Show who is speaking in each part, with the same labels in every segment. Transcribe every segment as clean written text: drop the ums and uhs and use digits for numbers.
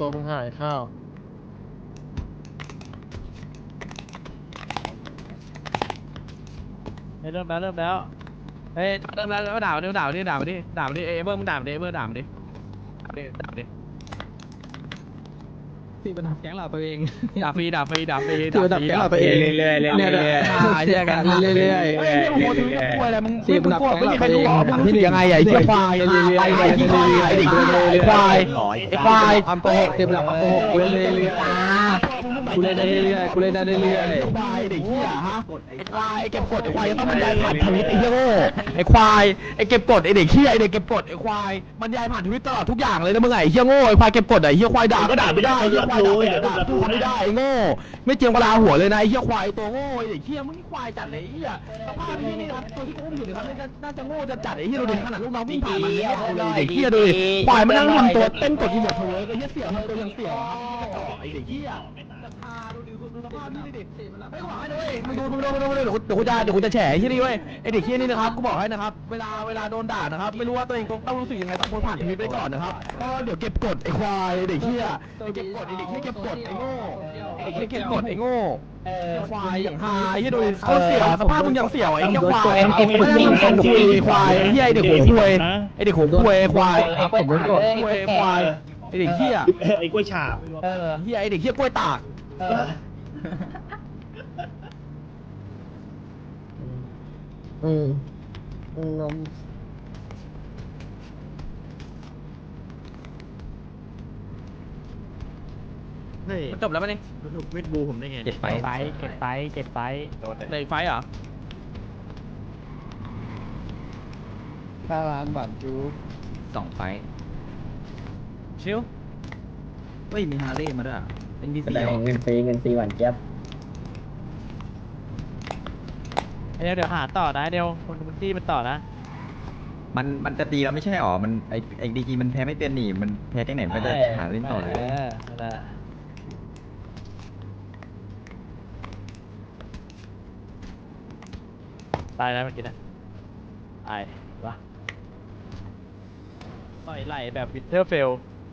Speaker 1: ตัวมึงหายข้าว
Speaker 2: เริ่มแล้วเฮ้ยเริ่มแล้วด่ามันดิด่ามันดิเอ้ยเบอร์มึงด่ามันดิด่ามันดิ
Speaker 3: ที่มันทำแก๊งเราตัวเอง
Speaker 2: ด่าฟรี
Speaker 3: ที่มันทำแก๊งเราตัวเองเรื่อยๆเนี่ยเชื่อกันเรื่อยๆที่มันทำแก๊งเราตัวเองที่ยังไงไอ้เจ้าควายไอ้ควายทำโกหกที่มันทำโกหกกูเล่นเรื่อยๆกูเล่นได้เรื่อยๆกูเล่นได้เรื่อยๆควายเด็กเหี้ยฮะไอ้ควายเก็บกดไอ้ควายต้องบรรยายผ่านทวิตไอ้เหี้ยโง่ไอ้ควายไอ้เก็บกดไอ้เด็กเหี้ยไอ้เด็กเก็บกดไอ้ควายบรรยายผ่านทวิตตลอดทุกอย่างเลยนะมึงไอ้เหี้ยโง่ไอ้ควายเก็บกดไอ้เหี้ยควายด่าก็ด่าไม่ได้ไอ้เหี้ยควายด่าพูดไม่ได้ไอ้โง่ไม่เจียมกะลาหัวเลยนะไอ้เหี้ยควายตัวโง่ไอ้เด็กเหี้ยมึงควายจัดเลยไอ้เหี้ยสภาพที่นี่ครับตัวที่กูอุ้มอยู่เนี่ยครับน่าจะโง่จะจัดไอ้เหี้ยดูดิขนาดลูกน้องวิ่งผ่านมันเนี่ยไอ้เหี้ยดูดิควายมันนั่งทำตัวเต้นกดอีโมทเวิร์กไอ้เหี้ยเสี่ยวทำตัวยังเสี่ยวไอ้เด็กเหี้ยดูสภาพนี่ดิไม่หวังให้ด้วยมึงดูเดี๋ยวกูจะแฉไอ้ที่นี่เว้ยไอ้เด็กที่นี่นะครับกูบอกให้นะครับเวลาโดนด่านะครับไม่รู้ว่าตัวเองต้องรู้สึกยังไงต้องผ่านชีวิตไปก่อนนะครับก็เดี๋ยวเก็บกดไอ้ควายเด็กเหี้ยเก็บกดไอ้เด็กเหี้ยเก็บกดไอ้โง่ไอ้เหี้ยเก็บกดไอ้โง่ควายอย่างหายที่ดูเขาเสี่ยวสภาพมึงยังเสี่ยวไอ้เหี้ยควายไอ้ควายไอ้เหี้ยไอ้เด็กหัวควยไอ้เด็กหัวควยควายผมโดนกดควายไอ้เด็กเหี้ย
Speaker 4: ไอ้กล้วยฉาบ
Speaker 3: เหี้ยไอ้เด็กเหี้ยกล้วยตาก
Speaker 1: นม
Speaker 2: มันจบแล้วมั้ยนี่
Speaker 4: เวทบูผมได้ไง
Speaker 2: เก็บไฟในไฟเหรอ
Speaker 1: 5 ล้านบาทจู
Speaker 3: 2 ไฟ
Speaker 2: ชิว
Speaker 3: เฮ้ยมีฮาร์เลย์มาด้วยเป็นดี
Speaker 5: แส
Speaker 3: ซี
Speaker 5: ดงเงินฟรีหวานเจี๊ยบ
Speaker 2: เดี๋ยวหาต่อนะเดี๋ยวคนที่มันต่อนะ
Speaker 6: มันจะตีแล้วไม่ใช่หรอ มันไอ้ดีจีมันแพ้ไม่เป็นนี่ มันแพ้ที่ไหนมันจะหาเล่นต่อเลย
Speaker 2: นั่นแหละตายแล้วเมื่อกี้นะตายวะต่อยไหลแบบวินเทอร์เฟล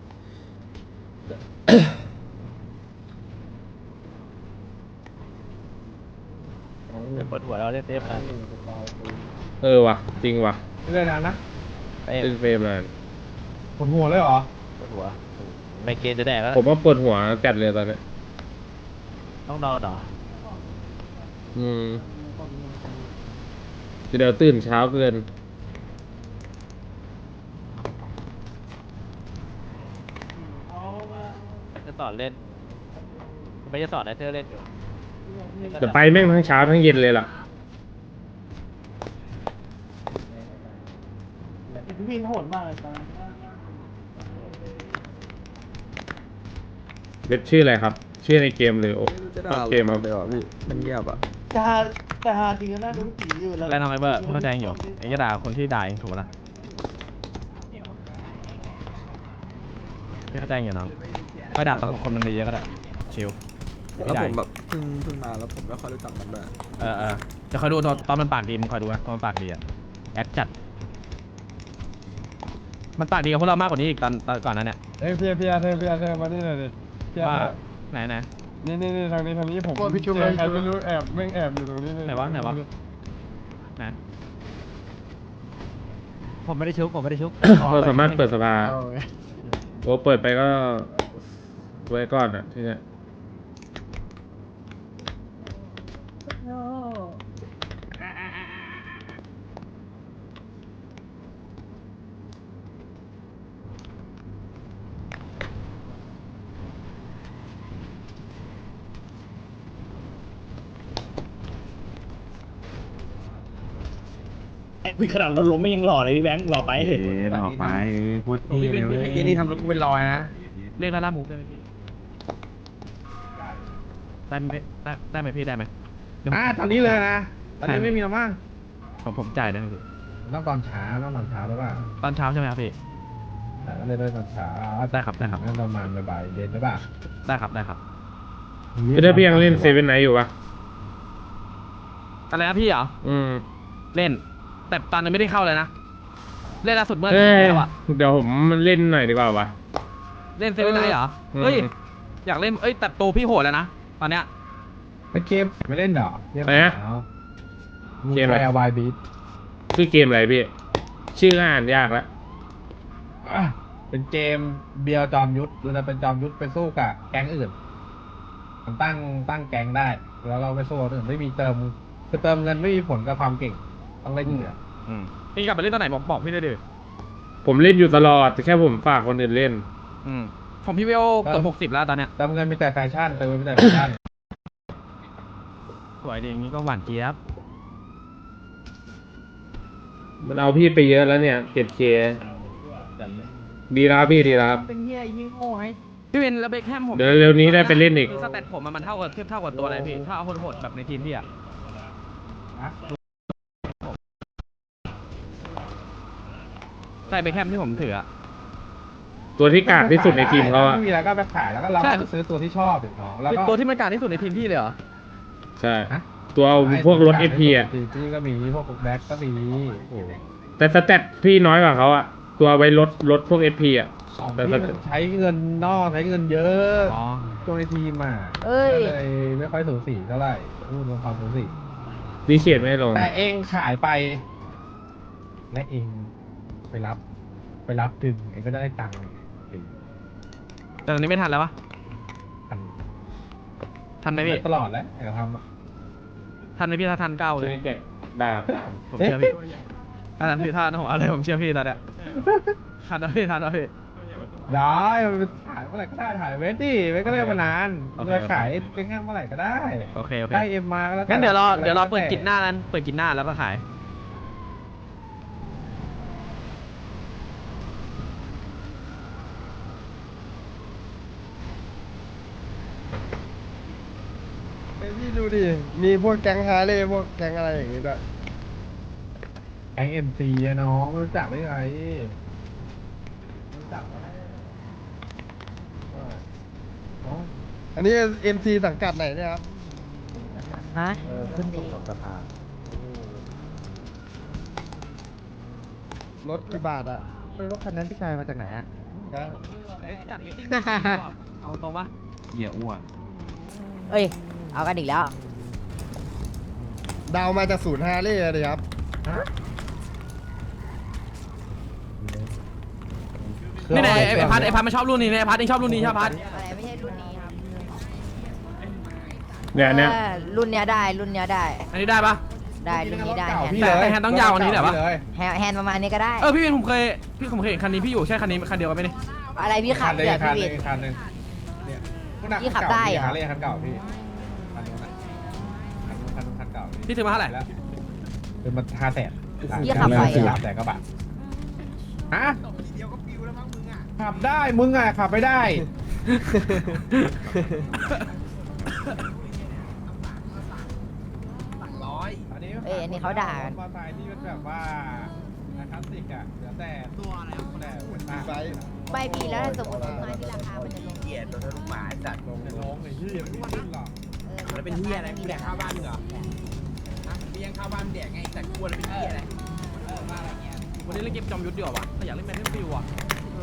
Speaker 2: ปวดหัวเราเล่นเทปนะ
Speaker 1: ว่ะจริงว่ะ
Speaker 4: เรื่องนั้นนะ
Speaker 1: เป็นเฟรมเลย
Speaker 4: ปวดหัวเลยเหรอ
Speaker 2: ปวดหัวไม่เกณฑ์จะแดกแล้ว
Speaker 1: ผมว่าปวดหัวจัดเลยตอนนี้
Speaker 2: ต้องนอนเหรอ
Speaker 1: จะเดี๋ยวตื่นเช้าเกิน
Speaker 2: จะสอนเล่นไม่จะสอนไอเธอเล่นอยู่
Speaker 1: แต่ไปแม่งทั้งเช้าทั้งเย็นเลยล่ะ
Speaker 4: พี่โหดมากเลยตอน
Speaker 1: เว็บชื่ออะไรครับ ชื่อในเกมหรือโอ้เกมครับ
Speaker 3: มันเงียบอ่ะ
Speaker 4: จะหาจริงนะดูผีอยู่แล้ว
Speaker 2: แล้วน้องไอเบอร์เข้าใจอยู่ไอ้จะด่าคนที่ด่าเองถูกปะล่ะไม่เข้าใจอยู่น้องก็ด่าต่อคนมันเยอะก็ได้ชิล
Speaker 3: แล้วผมแบบเพิ่งมาแล้วผมไม่ค่อยรู้จักมันด้วย
Speaker 2: จะคอยดูตอนมันปากดีมึงคอยดูนะตอนมันปากดีอะแอคจัดมันปากดีกับพวกเรามากกว่านี้อีกตอนก่อนนั้นเนี่ย
Speaker 4: เฮ้ยเธอมานี่หน่อยดิ
Speaker 2: ว่าไหน
Speaker 4: นี่ทางนี้ผมพี่ชุบใครไม่รู้แอบแม่งแอบอยู่ตรงนี้
Speaker 2: ไหนวะไหนผมไม่ได้ชุบ
Speaker 1: เราสามารถเปิดสภาโอ้เปิดไปก็ไว้ก่อนอ่ะที่เนี้ย
Speaker 4: ขนาดเราล้มไม่ยังหล่อเลยพี่แบงค์หล่อไปเถอะ
Speaker 6: ออกไปพูด
Speaker 3: นี่ทำรถกูเป็นรอยนะ
Speaker 2: เรียกล่ามูฟได้ไหมพี่ได้ไหมพี่ได้ไหม
Speaker 4: ตอนนี้เลยนะตอนนี้ไม่มีแล้วมั้ง
Speaker 2: ผมจ่ายได้ไหมพี่
Speaker 4: ต้องตอนเช้าหรือเปล่า
Speaker 2: ตอนเช้าใช่ไหมครับพี่
Speaker 4: เล่นได้ตอนเช้า
Speaker 2: ได้ครับ
Speaker 4: งั้นประมาณบ่ายเย็นหรือเปล่า
Speaker 2: ได้ครับ
Speaker 1: พี่ได้พี่ยังเล่นเซเว่นไนท์อยู่ปะ
Speaker 2: อะไรนะพี่เหรอเล่น แต่ตอนนั้นไม่ได้เข้าเลยนะเล่นล่าสุดเมื่อ
Speaker 1: เอ้ย
Speaker 2: แล้วอะ
Speaker 1: เดี๋ยวผมเล่นหน่อยดีกว่าวะ
Speaker 2: เล่นเซเว่นไนท์เหรอเฮ้ยอยากเล่นเอ้ยแต่โตพี่โหดแล้วนะตอนเนี้ย
Speaker 4: ไม่เกมไม่เล่นเหรอ
Speaker 1: อะไรนะเกมอะไร
Speaker 4: แอร์วายบีท
Speaker 1: ชื่อเกมอะไรพี่ ชื่ออ่านยากแล้ว
Speaker 4: เป็นเกมเบียร์จอมยุทธเราจะเป็นจอมยุทธไปสู้กับแก๊งอื่นมันตั้งแก๊งได้ แล้วเราไปสู้กับคนอื่นไม่มีเติมคือเติมเงินไม่มีผลกับความเก่งต้องเล่นเหนือ
Speaker 2: พี่กลับไปเล่นตอนไหนบอกพี่ได้ดิ
Speaker 1: ผมเล่นอยู่ตลอดแต่แค่ผมฝากคนอื่นเล่น
Speaker 2: ผมพี่เวลเกือบ60แล้วตอนเนี้ย
Speaker 4: เติมเงินมีแต่แฟชั่นเติมเงินมีแต่แฟชั่น
Speaker 2: สวยดีอย่างงี้ก็หวานเจี๊ยบ
Speaker 1: มันเอาพี่ไปเยอะแล้วเนี่ย 7K ดีแล้วครับพี่ดีแล้วครับ
Speaker 2: เป็นเฮียยิงโง่ไงพี่เป็นแล้วเบคแฮมผม
Speaker 1: เดี๋ยวเร็วนี้ได้ไปเล่นอีก
Speaker 2: คือสเตตผมมันเท่ากับเทียบเท่ากับตัวอะไรพี่ถ้าเอาโหดๆแบบในทีมพี่อะใช่เบคแฮมที่ผมถืออะ
Speaker 1: ตัวที่กากที่สุดในทีมเขาอะ
Speaker 4: ไม่มีแล้วก็ไปขายแล้วก็เราก็ซื้อตัวที่ชอบอย่างน้องแล้วก็
Speaker 2: ตัวที่มันกลารที่สุดในทีมพี่เลยเหรอ
Speaker 1: ใช่ ตัวเอาพวกรถ FP อะ
Speaker 4: พี่ก็มีพวกแบ็คก็มีโอ้
Speaker 1: แต่สเตตพี่น้อยกว่าเขาอะตัวไว้รถพวก FP อะ
Speaker 4: ของ
Speaker 1: แต่
Speaker 4: พี่
Speaker 1: ส
Speaker 4: มั
Speaker 1: เตต
Speaker 4: นใช้เงินนอกใช้เงินเยอะ
Speaker 2: อ๋อ
Speaker 4: ตัวในทีมอ่ะ
Speaker 3: เอ้ย
Speaker 4: ก็เลยไม่ค่อยสูสีเท่าไหร่พูดตรงความสูสี
Speaker 1: ดีเชียดไม่ลง
Speaker 4: แต่เองขายไป และเองไปรับดึงเองก็ได้ตังค์ถึง
Speaker 2: แต่ตอนนี้ไม่ทันแล้ววะ
Speaker 4: พัน
Speaker 2: ทันไหมพี่
Speaker 4: ตลอดแล้วเองทำอะ
Speaker 2: ทันไหมพี่ถ้าทันเก้า
Speaker 1: ตั
Speaker 2: เล
Speaker 1: วย นี้แจกดาบ
Speaker 2: ผมเชื่อพี่ถ้าทันพี่ถ้าทันผมเอาเลยผมเชื่อพี่ตอนเนี้ยทันนะพี่ทันนะพี่
Speaker 4: ได้มันถ่ายเมื่อไหร่ก็ได้ถ่ายเว้นดิเว้นก็เล่นมานาน
Speaker 2: โอเค
Speaker 4: จะขายเป็นงานเมื่อไหร่ก็ได้
Speaker 2: โอเคโอเค
Speaker 4: ได้เอ็มมาก็แล้ว
Speaker 2: งั้นเดี๋ยวรอเปิดกิจหน้านั้นเปิดกิจหน้าแล้วก็ขาย
Speaker 3: พี่ดูดิ มีพวกแก๊งฮาร์เลย์พวกแก๊งอะไรอย่างงี้ด้วย
Speaker 4: แก๊งเอ็มซีอะน้องไม่รู้จักได้ไงรู้จักไหมอ๋อ
Speaker 3: อันนี้ MC สังกัดไหนเนี่ยครับ
Speaker 5: ฮะ
Speaker 4: ขึ้นอยู่กับสภาร
Speaker 3: ถกี่บาทอ่ะ
Speaker 5: รถคันนั้นพี่ชายมาจากไหนอ่ะ
Speaker 2: จัดมิทติ้งเอาตรงปะ
Speaker 5: เอ้ย เอากันอีกแล้ว
Speaker 3: ดาวมาจากศูนย์ฮาร์เลย์เลยครับ
Speaker 2: นี่ไหนไอ้พัดมันชอบรุ่นนี้ไอ้พัดเองชอบรุ่นนี้ใช่พัด
Speaker 5: อะไรไม่ใช่รุ่นนี้ครับ
Speaker 1: เนี่ย
Speaker 5: รุ่นเนี้ยได้ รุ่นเนี้ยได้
Speaker 2: อันนี้ได้ปะ
Speaker 5: ได้ รุ่นนี้ได้
Speaker 4: เก่า
Speaker 5: แฮน
Speaker 4: พี่
Speaker 5: ด์
Speaker 4: เลย
Speaker 2: แต่แฮนด์ต้องยาวกว่านี้เหรอวะ
Speaker 4: เลย
Speaker 5: แฮนด์ประมาณนี้ก็ได้
Speaker 2: พี่เป็นผมเคยเห็นคันนี้พี่อยู่ใช่คันนี้คันเดียวกันไหมนี่
Speaker 5: อะไรพี่ขับ
Speaker 4: คันเลย
Speaker 5: เดี๋ยว
Speaker 4: คัน
Speaker 5: พี่
Speaker 4: ห
Speaker 5: วิ
Speaker 4: นึ่
Speaker 5: น
Speaker 4: งคันหนึ่งเนี่ยพวกนัก
Speaker 5: พี่ขับได้เหรอ
Speaker 4: หาเลยคันเก่าพี่คันนู้นนะคันเก่า
Speaker 2: พี่ซื้อมาเท่าไหร่
Speaker 4: แล้วเป็นมัน500,000
Speaker 5: พี่ขับไหวเหรอ
Speaker 4: 300,000กว่าบาทฮะขับได้มึงอ่ะขับไม่ได้
Speaker 5: เอ้ยอันนี้เขาด่ากัน
Speaker 4: มอเตอร์ไซค์ที่เป็นแบบว่าคลาสสิกอ่ะเหลือแต่ตัวอะไรแต่หัวตา
Speaker 3: ไซส์
Speaker 5: ไม่พี่แล้วถ้าสมมติต้นไม้ที่ราคามันจะลง
Speaker 4: ลงในโรงไอ้ที่ยังไม่ขึ้นหรอก
Speaker 5: แล้วเป็นเฮียอะไรกูแดกข้าวบ้านเหรอ
Speaker 2: วันนี้เล่นเกมจอมยุทธดีกว่าวะแต่อยากเล่นแมนเทนฟิวอ่ะ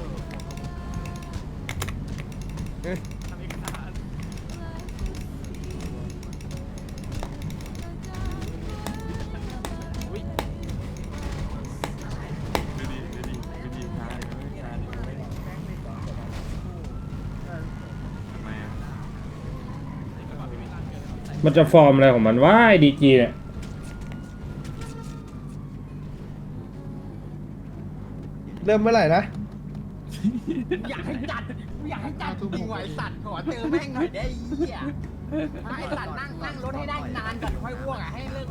Speaker 1: มันจะฟอร์มอะไรของมันว่าไอ้ดีจีเนี่ย
Speaker 3: เริ่มเมื่อไหร่นะ
Speaker 7: อยากให้จัดจริงๆว่ะไอ้สัตว์ขอเจอแม่งหน่อยได้ไอ้เหี้ยไอ้สัตว์นั่งรถให้ได้นานก่อนค่อยอ้วกอ่ะให้เลิก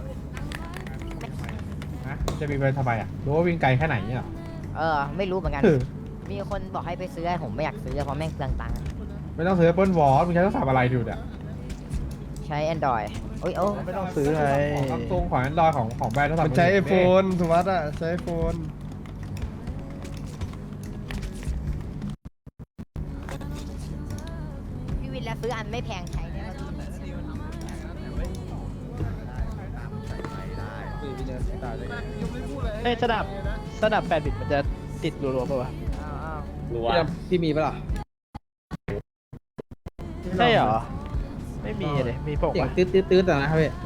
Speaker 4: ฮะจะมีไปทำไมอ่ะรู้ว่าวิ่งไกลแค่ไหนเนี่ยหรอ
Speaker 5: ไม่รู้เหมือนกัน
Speaker 4: เออ
Speaker 5: มีคนบอกให้ไปซื้อผมไม่อยากซื้อเพราะแม่งเปลืองตังค์
Speaker 4: ไม่ต้องซื้อ Apple Watch มึงใช้โทรศัพท์อะไรดูเนี่ย
Speaker 5: ใช้ Android โอ้ยโอ้
Speaker 3: ไม่ต้องซื้อไง
Speaker 4: ของซัมซุงของ Android ของแบรนด์โทรศัพท์
Speaker 3: มันใช้ไอโฟนสุวัสด์อ่ะ ใช้ไอโฟน
Speaker 5: พี่วินแล้วซื้ออันไม่แพงใช้ได้ไหม
Speaker 3: เอ้ยสนับ8 บิตมันจะติดรัวๆป่ะวะ
Speaker 5: อ้าว
Speaker 3: พี่มีปะล่ะ
Speaker 2: ใช่เหรอไม่มีเลยมีผง
Speaker 3: เสียง
Speaker 2: ปะ
Speaker 3: ตื้อแต่นะครับพี่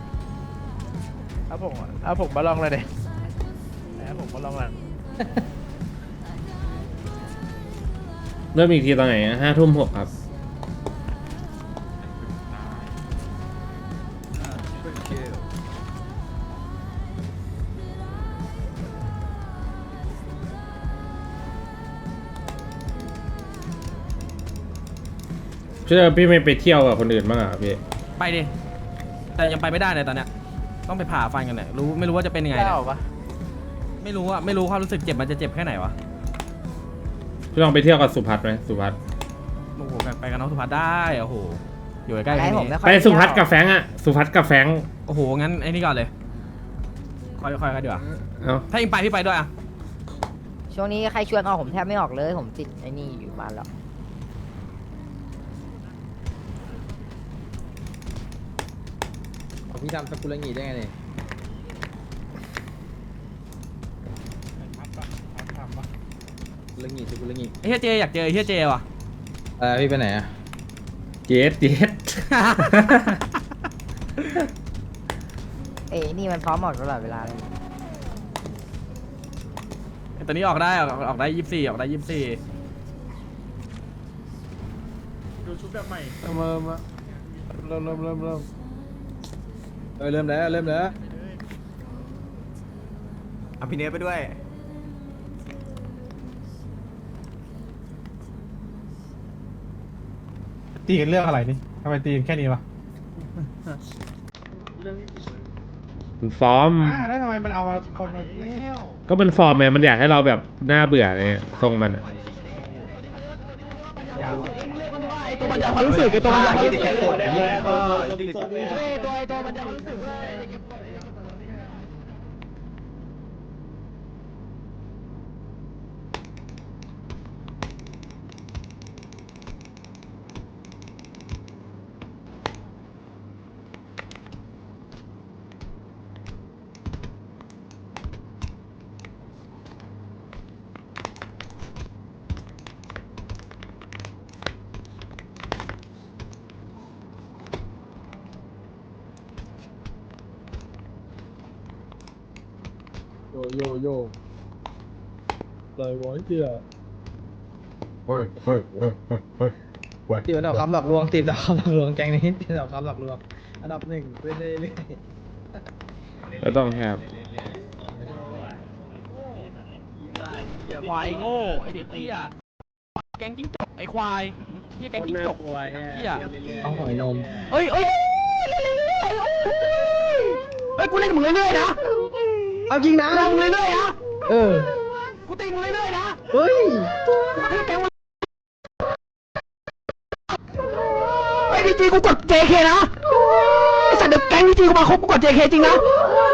Speaker 2: เอาผงมาลองเลยเด็เอาผงมาลองอ่ะ
Speaker 1: เริ่มอีกทีตอนไหน5:06ครับพี่ไม่ไปเที่ยวกับคนอื่นบ้างอ่ะพี่
Speaker 8: ไปดิ แต่ยังไปไม่ได้เลยตอนเนี้ย ต้องไปผ่าฟันกันเนี่ยไม่รู้ว่าจะเป็นยังไงเนี่ย
Speaker 2: เจ้าปะ
Speaker 8: ไม่รู้ความรู้สึกเจ็บมันจะเจ็บแค่ไหนวะ
Speaker 1: พี่ลองไปเที่ยวกับสุพัฒน์ไหมสุพัฒน์
Speaker 8: โอ้โหไปกับน้องสุภัสได้โอ้โหอยู่ใกล้ๆ
Speaker 5: ให้
Speaker 8: แค่
Speaker 5: ผม
Speaker 8: นี้
Speaker 5: ไม่ค่อย
Speaker 1: ไปสุพัฒน์
Speaker 5: เที่ยว
Speaker 1: กับแฟรงค์อะสุพัฒน์กับแฟรงค์
Speaker 8: โอ้โหงั้นไอ้นี่ก่อนเลยค่อยๆดีกว่า
Speaker 1: เอ้า
Speaker 8: ถ้าเองไปพี่ไปด้วยอ่ะ
Speaker 5: ช่วงนี้ใครชวนเอาผมแทบไม่ออกเลย ผมติดไอ้นี่อยู่บ้านแล้ว
Speaker 3: พี่ทำสกุลงีได้ไงเนี่ยสกุลงี
Speaker 8: ไอ้เฮียเจอยากเจอไอ้เฮียเจว่ะ
Speaker 3: พี่ไปไหนอะ
Speaker 1: เจ็ด
Speaker 5: เอ้ยนี่มันพร้อมออกตลอดเวลาเลย
Speaker 8: ไอ้ตัวนี้ออกได้ออกได้24ออกได้24
Speaker 2: ดูชุดแบบใหม่
Speaker 3: เริ่มแล้ว
Speaker 6: เอาพี่เนสไปด้วย
Speaker 4: ตีกันเรื่องอะไรนี่ทำไมตีกันแค่นี้วะ
Speaker 1: มันฟอร์ม
Speaker 4: แล้วทำไมมันเอามาคนมาแล้ว
Speaker 1: ก็มันฟอร์มไงมันอยากให้เราแบบน่าเบื่อเนี่ยทรงมันอะ
Speaker 3: ความรู้สึกไอ้ตัวมันอยากกิน โยเลยไว้เดียวตีมันออกคำหลอกลวงตีดอกคำหลอกลวงแกงนี้ตีดอกคำหลอกลวงอันดับหนึ่งไปเรื่อย
Speaker 1: ก็ต้องครับ
Speaker 2: ควายโง่ไอเด็กเหี้ยแกงจิ้งจกไอควายเหี้ยแกงจิ้งจกเหี้ย
Speaker 3: ๆเอาหอยนม
Speaker 2: เฮ้ยกูเล่นมึงเรื่อยๆนะ
Speaker 3: เอาจริงนะ
Speaker 2: เล่นมึงเรื่อยๆนะ กูตีมึงเรื่อยๆนะ
Speaker 3: เฮ้ย
Speaker 2: ไอ้พีจีกูกด JK นะไอ้สัตว์เด็กแก๊งพีจีกูมาครบกูกด JK จริงนะ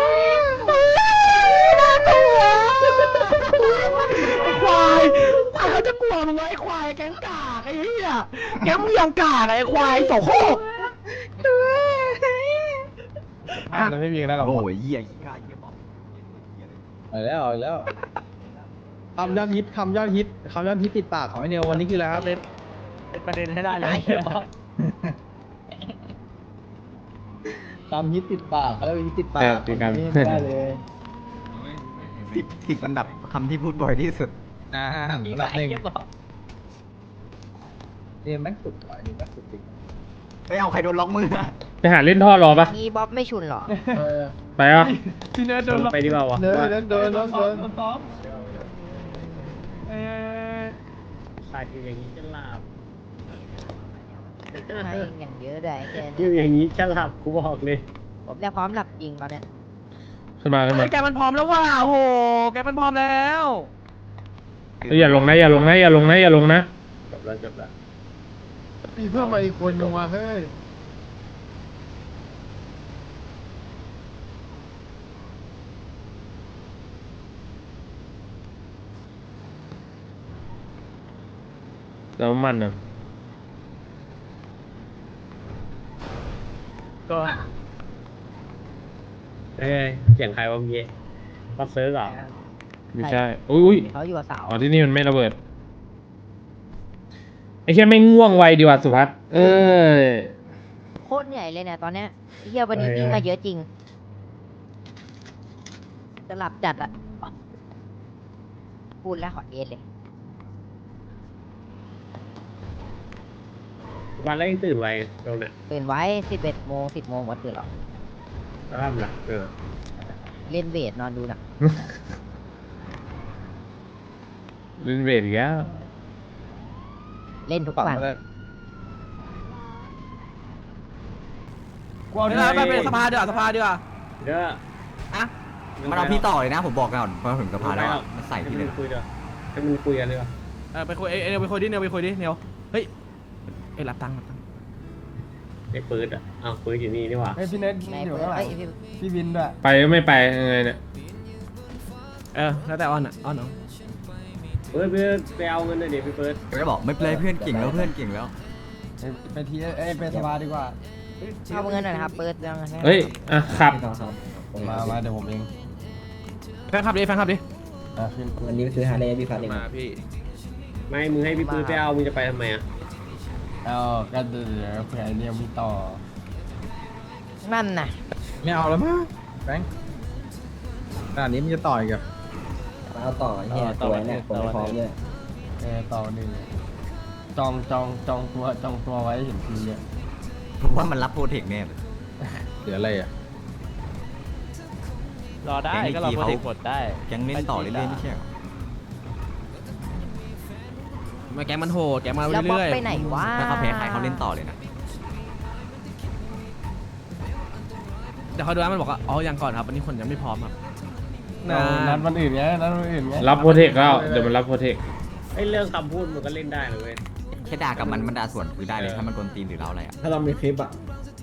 Speaker 2: น่ากลัวไอ้ควายเขาจะกลัวมึงไอ้ควายแก๊งกากไอ้เหี้ยแก๊งมึงยังกากไอ้ควายโสโครก
Speaker 4: แล้วไม่มีกันแล้วหรอ
Speaker 6: โอ้ยเหี้ยกล้าเหี้ยบอก
Speaker 3: เอาแล้วคำยอดฮิตติดปากของไอเนียววันนี้คืออะไรครับ
Speaker 2: เป็นประเด็นให้ได้เลย
Speaker 3: คำฮิตติดปากแล้วฮิตติดปาก
Speaker 1: ติดกัน
Speaker 3: ได้เลย
Speaker 6: ติดอันดับคำที่พูดบ่อยที่สุด
Speaker 3: อันดับหนึ่งเนี่ยแม่งสุดว่ะนี่แม่งสุดจริง
Speaker 6: เฮ้ยเอาใครโดนล็อกมืออะ
Speaker 1: ไปหาเล่นท่อรอปะ
Speaker 5: นี่บ๊อบไม่ชุนเหรอ
Speaker 1: ไปอ่ะ
Speaker 2: พี่เนทโดน
Speaker 1: ไปดีกว่าวะ
Speaker 3: เดิน
Speaker 5: ให้อย่างเยอะได้แค่
Speaker 3: อยู่อย่างนี้จะหลับกูบอกเลย
Speaker 5: ผมเนี่ยพร้อมหลับจริงตอนเนี้ย
Speaker 1: ขึ้นมา
Speaker 8: แกมันพร้อมแล้วว่ะโอ้โหแกมันพร้อมแล้ว
Speaker 1: เอ้ยอย่าลงนะอย่าลงนะอย่าลงนะอย่าลงนะ
Speaker 3: จบแล้ว
Speaker 4: มีเพิ่มมาอีกคนนึงมาเฮ้ย
Speaker 1: แล้วมันอ่ะ
Speaker 3: ก็เสียงใครวะเมื่อกี้มาเซิร์ฟเหรอ
Speaker 1: ไม่ใช่อุ้ย
Speaker 5: เขาอยู่กับสาว
Speaker 1: อ๋อที่นี่มันไม่ระเบิดไอ้แค่ไม่ง่วงไวดีกว่าสุภัสเอ้ย
Speaker 5: โคตรเหนื่อยเลยเนี่ยตอนเนี้ยเฮียวันนี้วิ่งมาเยอะจริงจะหลับจัดอะพูดแล้วขอเอสเลย
Speaker 9: วันแรกตื่นไวตรงเนี้ย
Speaker 5: ตื่นไว้11 โมง 10 โมงวันตื่นหรอก
Speaker 9: แล้วทำไร
Speaker 5: เล่นเวทนอนดูหนัง
Speaker 1: เล่นเวทอีกแล้ว
Speaker 5: เล่นทุกวัน
Speaker 8: ไปเป็นสภาดีกว่าสภาดีกว่า
Speaker 9: เดี๋ยว
Speaker 8: อะ
Speaker 6: มันเอาพี่ต่อเลยนะผมบอกก่อนพอถึงสภาแล้วมันใส่พี่เลย
Speaker 9: คุยเดี๋ยวให้มึงคุยกันดีกว่า
Speaker 8: ไปคุยเนียวไปคุยดิเนียวไปคุยดิเนียวเฮ้ยรับตังค์
Speaker 9: ไอ้ปืนอ่ะอ้าวปืนอยู่นี่นี่หว่า
Speaker 2: ไอพี่เน็ต
Speaker 5: ใน
Speaker 2: อยู่
Speaker 5: เพื่อ
Speaker 2: ข้างหลัง
Speaker 5: พี่
Speaker 2: พี่วินด้วย
Speaker 1: ไปก็ไม่ไปยังไงเนี่ย
Speaker 8: แล้วแต่ออนอ่ะออนเนาะ
Speaker 9: เพื่อนไปเอาเงินหน่อยดิพี่เปิด
Speaker 6: ก็บอกไม่เป็นไรเพื่อนเก่งแล้วเพื่อนเก่งแล้ว
Speaker 2: ไปทีไปสภาดีกว่า
Speaker 5: เอาเงินหน่อยนะครับ เปิดยังไง
Speaker 1: เฮ้ย อ่ะขับ
Speaker 2: มาเดี๋ยวผมเอง
Speaker 8: แฟนคลับดิ
Speaker 2: ขึ้น
Speaker 7: วันนี้ซื้อฮาร์เลย์พี่ฟันเอง
Speaker 8: มาพี่
Speaker 9: ไม่มึงให้พี่ปืนไปเอามึงจะไปทำไมอ่ะ
Speaker 2: เอาก็เดี๋ยวเผื่อไอเนี่ยมีต่อ
Speaker 5: นั่นน่ะ
Speaker 3: ไม่เอาแล้วมั้งแบงค์ขนาดนี้มันจะต่อยกับ
Speaker 7: เอาต่อเนี่ยตัวเนี่ยตัวพร้อมเนี่ย
Speaker 2: ต่อหนึ่งจองตัวไว้เห็นทีอ่ะ
Speaker 6: ผมว่ามันรับโปรเทคแน่เลย
Speaker 3: เหลืออะไรอ่ะ
Speaker 6: รอได้ก็รอโปรเทคหมดได้ยังเล่นต่อเรื่อยๆไม่ใช่หรอ
Speaker 8: มาแกมันโหดแกมา
Speaker 5: แล้วบล็อก
Speaker 8: เรื่อย
Speaker 5: ไปไหนวะ
Speaker 6: ถ้าเขาแพ้ใครเขาเล่นต่อเลยนะ
Speaker 8: เดี๋ยวเขาดูนะมันบอกว่ายังก่อนครับวันนี้คนยังไม่พร้อมครับ
Speaker 2: นัดวันอื่นไงนัดวันอื่นไง
Speaker 1: รับโปรเทคแล้ว เดี๋ยวมันรับโปรเทค
Speaker 9: ไอ้เรื่องคำพูดมึงก็เล่นได้นะเว้ย
Speaker 6: แค่ด่ากับมันด่าส่วนคือได้เลยถ้ามันกวนตีนหรือเราอะไรอ่ะ
Speaker 7: ถ้าเรามีคลิปอ่ะ